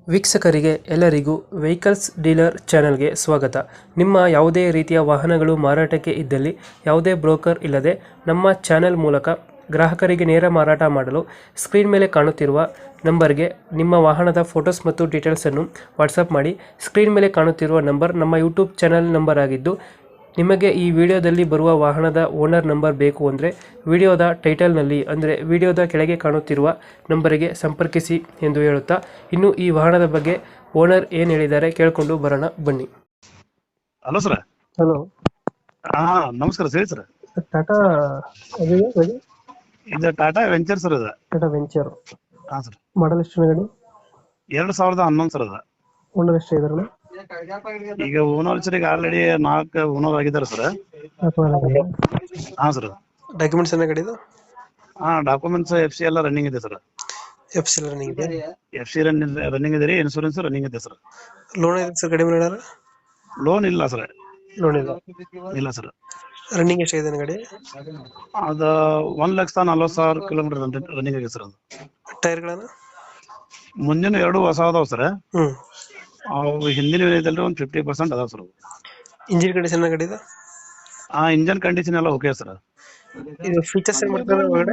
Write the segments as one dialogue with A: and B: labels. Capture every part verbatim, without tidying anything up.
A: ವೀಕ್ಷಕರಿಗೆ ಎಲ್ಲರಿಗೂ vehicles dealer ಚಾನೆಲ್ಗೆ ಸ್ವಾಗತ. ನಿಮ್ಮ ಯಾವುದೇ ರೀತಿಯ ವಾಹನಗಳು ಮಾರಾಟಕ್ಕೆ ಇದ್ದಲ್ಲಿ ಯಾವುದೇ ಬ್ರೋಕರ್ ಇಲ್ಲದೆ ನಮ್ಮ ಚಾನೆಲ್ ಮೂಲಕ ಗ್ರಾಹಕರಿಗೆ ನೇರ ಮಾರಾಟ ಮಾಡಲು ಸ್ಕ್ರೀನ್ ಮೇಲೆ ಕಾಣುತ್ತಿರುವ ನಂಬರ್ಗೆ ನಿಮ್ಮ ವಾಹನದ ಫೋಟೋಸ್ ಮತ್ತು ಡೀಟೇಲ್ಸನ್ನು ವಾಟ್ಸಪ್ ಮಾಡಿ. ಸ್ಕ್ರೀನ್ ಮೇಲೆ ಕಾಣುತ್ತಿರುವ ನಂಬರ್ ನಮ್ಮ ಯೂಟ್ಯೂಬ್ ಚಾನೆಲ್ ನಂಬರ್ ಆಗಿದ್ದು, ನಿಮಗೆ ಈ ವಿಡಿಯೋದಲ್ಲಿ ಬರುವ ವಾಹನದ ಓನರ್ ನಂಬರ್ ಬೇಕು ಅಂದರೆ ವಿಡಿಯೋದ ಟೈಟಲ್ನಲ್ಲಿ ಅಂದರೆ ವಿಡಿಯೋದ ಕೆಳಗೆ ಕಾಣುತ್ತಿರುವ ನಂಬರಿಗೆ ಸಂಪರ್ಕಿಸಿ ಎಂದು ಹೇಳುತ್ತಾ, ಇನ್ನು ಈ ವಾಹನದ ಬಗ್ಗೆ ಓನರ್ ಏನು ಹೇಳಿದ್ದಾರೆ ಕೇಳಿಕೊಂಡು ಬರೋಣ ಬನ್ನಿ.
B: Hello sir.
A: ಹಲೋ,
B: ಹಾ ನಮಸ್ಕಾರ ಹೇಳಿ ಸರ್.
A: ಟಾಟಾ
B: ಇದು ಟಾಟಾ ವೆಂಚರ್ ಸರ್. ಇದು
A: ಟಾಟಾ ವೆಂಚರ್.
B: ಹಾ ಸರ್.
A: ಮಾಡಲ್ ಎಷ್ಟು ಗಾಡಿ?
B: ಎರಡ್ ಸಾವಿರದ ಹನ್ನೊಂದು ಸರ್. ಅದ
A: ಓನರ್ ಎಷ್ಟು ಇದಾರೆ?
B: ಈಗ ಓನರ್ ಸರ್ ಈಗ ಆಲ್ರೆಡಿ ನಾಲ್ಕು ಓನರ್ ಆಗಿದ್ದಾರೆ ಸರ್. ಹಾ ಸರ್.
A: ಡಾಕ್ಯುಮೆಂಟ್ಸ್ ಏನ ಗಾಡಿದು?
B: ಹಾ ಡಾಕ್ಯುಮೆಂಟ್ಸ್ ಎಫ್ ಸಿ ಎಲ್ಲ ರನ್ನಿಂಗ್ ಇದೆ ಸರ್.
A: ಎಫ್ ಸಿ ರನ್ನಿಂಗ್ ಇದೆ?
B: ಎಫ್ ಸಿ ರನ್ನಿಂಗ್ ಇದೆ ರೀ. ಇನ್ಶೂರೆನ್ಸ್ ರನ್ನಿಂಗ್ ಇದೆ ಸರ್.
A: ಲೋನ್ ಇದೆ ಸರ್ ಗಾಡಿ ಮೇಲೆ?
B: ಲೋನ್ ಇಲ್ಲ ಸರ್.
A: ಲೋನ್ ಇಲ್ಲ
B: ಇಲ್ಲ ಸರ್.
A: ರನ್ನಿಂಗ್ ಎಷ್ಟಾಗಿದೆ ಗಾಡಿ?
B: ಅದ ಒಂದ್ ಲಕ್ಷ ನಲ್ವತ್ತು ಸಾವಿರ ಕಿಲೋಮೀಟರ್ ರನ್ನಿಂಗ್ ಆಗಿದೆ ಸರ್. ಅದು
A: ಟೈರ್ಗಳನ್ನ
B: ಮುಂದಿನ ಎರಡು ಹೊಸ ಅದಾವ ಸರ್.
A: ಹ್ಮ್
B: ಅವು ಹಿಂದಿನ ಏನೈತಲ್ರಿ ಒಂದ್ ಫಿಫ್ಟಿ ಪರ್ಸೆಂಟ್ ಅದಾವ ಸರ್.
A: ಇಂಜಿನ್ ಕಂಡೀಷನ್ ಗಾಡಿ ಇದೆ?
B: ಆ ಇಂಜನ್ ಕಂಡೀಷನ್ ಎಲ್ಲ ಓಕೆ ಸರ್.
A: ಇದು ಫೀಚರ್ಸ್ ಏನ್ ಮಾಡ್ತಾರೆ ಒಳಗಡೆ?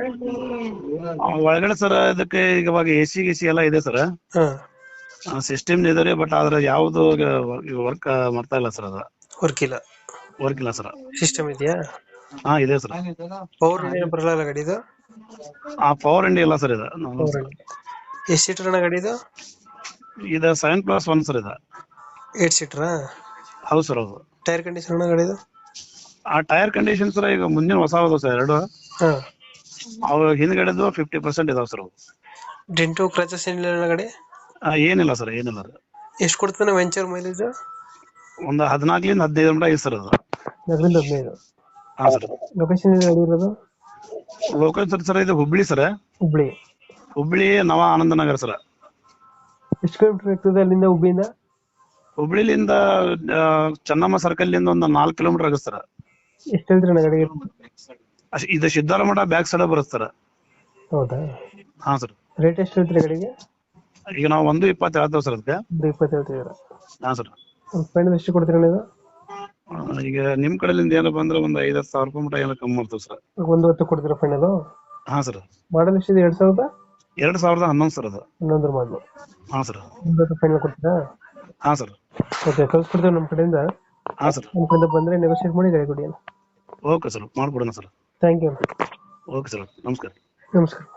B: ಒಳಗಡೆ ಸರ್ ಇದಕ್ಕೆ ಈಗ ಇವಾಗ ಎ ಸಿ ಗಿಸಿ ಎಲ್ಲ ಇದೆ ಸರ್.
A: ಹಾ
B: ಸಿಸ್ಟಮ್ ಇದೆ ರೀ, ಬಟ್ ಆದ್ರೆ ಯಾವ್ದು ವರ್ಕ್ ಮಾಡ್ತಾ ಇಲ್ಲ ಸರ್. ಅದ
A: ವರ್ಕ್ ಇಲ್ಲ
B: ವರ್ಕ್ ಇಲ್ಲ ಸರ್.
A: ಸಿಸ್ಟಮ್ ಇದೆಯಾ?
B: ಹಾ ಇದೆ ಸರ್.
A: ಪವರ್ ಇಂಡಿಯನ್ ಬರಲ್ಲ ಗಾಡಿ ಇದು?
B: ಆ ಪವರ್ ಇಂಡಿ ಇಲ್ಲ ಸರ್. ಇದು
A: ಎಷ್ಟು ಸೀಟರ್ ಅಣ್ಣ ಗಾಡಿ ಇದು?
B: ಇದು ಸೆವೆನ್ ಪ್ಲಸ್ ಒನ್ ಸರ್. ಇದು
A: ಏಟ್ ಸೀಟರಾ?
B: ಹೌದು ಸರ್. ಹೌದು.
A: ಟೈರ್ ಕಂಡೀಷನ್ ಅಣ್ಣ ಗಾಡಿದು?
B: ಆ ಟೈರ್ ಕಂಡೀಷನ್ ಸರ್ ಈಗ ಮುಂದಿನ ಹೊಸ ಅದಾವ ಸರ್ ಎರಡು.
A: ಹಾ
B: ಅವು ಹಿಂದ್ಗಡೆದು ಫಿಫ್ಟಿ ಪರ್ಸೆಂಟ್ ಇದಾವ ಸರ್. ಅವು
A: ಡೆಂಟು ಕ್ರಾಚಸ್ ಏನಿಲ್ಲ ಅಣ್ಣ ಗಾಡಿ?
B: ಏನಿಲ್ಲ ಸರ್, ಏನಿಲ್ಲ ರೀ.
A: ಎಷ್ಟು ಕೊಡ್ತಾನೆ ವೆಂಚರ್ ಮೈಲೇಜ್?
B: ಒಂದು ಹದಿನಾಲ್ಕರಿಂದ ಹದಿನೈದು ಮಟ ಐತೆ ಸರ್. ಅದು
A: ಹದಿನೈದು ಹದಿನೈದು.
B: ಹಾ ಸರ್.
A: ಲೊಕೇಶನ್ ಗಾಡಿ ಇರೋದು?
B: ಲೋಕಲ್ ಸರ್ ಸರ್ ಇದು ಹುಬ್ಳಿ ಸರ್.
A: ಹುಬ್ಳಿ.
B: ಹುಬ್ಳಿ ನವ ಆನಂದನಗರ ಸರ್.
A: ಎಷ್ಟು ಕಿಲೋಮೀಟರ್ ಆಗ್ತದೆ ಅಲ್ಲಿಂದ ಹುಬ್ಳಿಯಿಂದ?
B: ಹುಬ್ಳಿಲಿಂದ ಚೆನ್ನಮ್ಮ ಸರ್ಕಲ್ ಲಿಂದ ಒಂದು ನಾಲ್ಕು ಕಿಲೋಮೀಟರ್ ಆಗುತ್ತೆ ಸರ್.
A: ಎಷ್ಟು ಹೇಳ್ತೀರಿ ಅಣ್ಣ ಗಾಡಿಗೆ?
B: ಇದು ಸಿದ್ದಾರ ಮಠ ಬ್ಯಾಕ್ ಸೈಡ್ ಬರುತ್ತೆ ಸರ್.
A: ಹೌದಾ?
B: ಹಾ ಸರ್.
A: ರೇಟ್ ಎಷ್ಟು ಹೇಳ್ತೀರಿ ಗಾಡಿಗೆ?
B: ಈಗ ನಾವು ಒಂದು ಇಪ್ಪತ್ತು ಹೇಳ್ತೇವೆ ಸರ್ ಅದಕ್ಕೆ.
A: ಒಂದು ಇಪ್ಪತ್ತು ಹೇಳ್ತಿದ್ದೀರಾ?
B: ಹಾ ಸರ್.
A: ಫೈನಲ್ ಎಷ್ಟು ಕೊಡ್ತೀರಿ ಅಣ್ಣ ಇದು?
B: ಈಗ ನಿಮ್ ಕಡೆಯಿಂದ ಏನಪ್ಪ ಅಂದ್ರೆ ಒಂದು ಐವತ್ತು ಸಾವಿರ ರೂಪಾಯಿ ಮಟ ಏನೋ ಕಮ್ಮಿ ಮಾಡ್ತೇವೆ ಸರ್.
A: ಒಂದು ಹೊತ್ತು ಕೊಡ್ತೀರಾ ಫೈನಲ್?
B: ಹಾ ಸರ್.
A: ಮಾಡಲ್ ಎಷ್ಟಿದೆ? ಎರಡ್ ಸಾವಿರದ
B: ಎರಡ್ ಸಾವಿರದ ಹನ್ನೊಂದು ಸರ್. ಅದು
A: ಹನ್ನೊಂದರ ಮಾಡಲು.
B: ಹಾ ಸರ್.
A: ಒಂದು ಹೊತ್ತು ಫೈನಲ್ ಕೊಡ್ತೀರಾ?
B: ಹಾ ಸರ್.
A: ಓಕೆ, ಕಳ್ಸ್ಕೊಡ್ತೇವೆ ನಮ್ಮ ಕಡೆಯಿಂದ.
B: ಹಾ ಸರ್.
A: ನಮ್ಮ ಕಡೆಯಿಂದ ಬಂದ್ರೆ ನೆಗೋಷಿಯೇಟ್ ಮಾಡಿ ಗಾಡಿ ಕೊಡಿ.
B: ಓಕೆ ಸರ್, ಮಾಡ್ಕೊಡೋಣ ಸರ್.
A: Thank you.
B: ಓಕೆ ಸರ್, ನಮಸ್ಕಾರ.
A: ನಮಸ್ಕಾರ.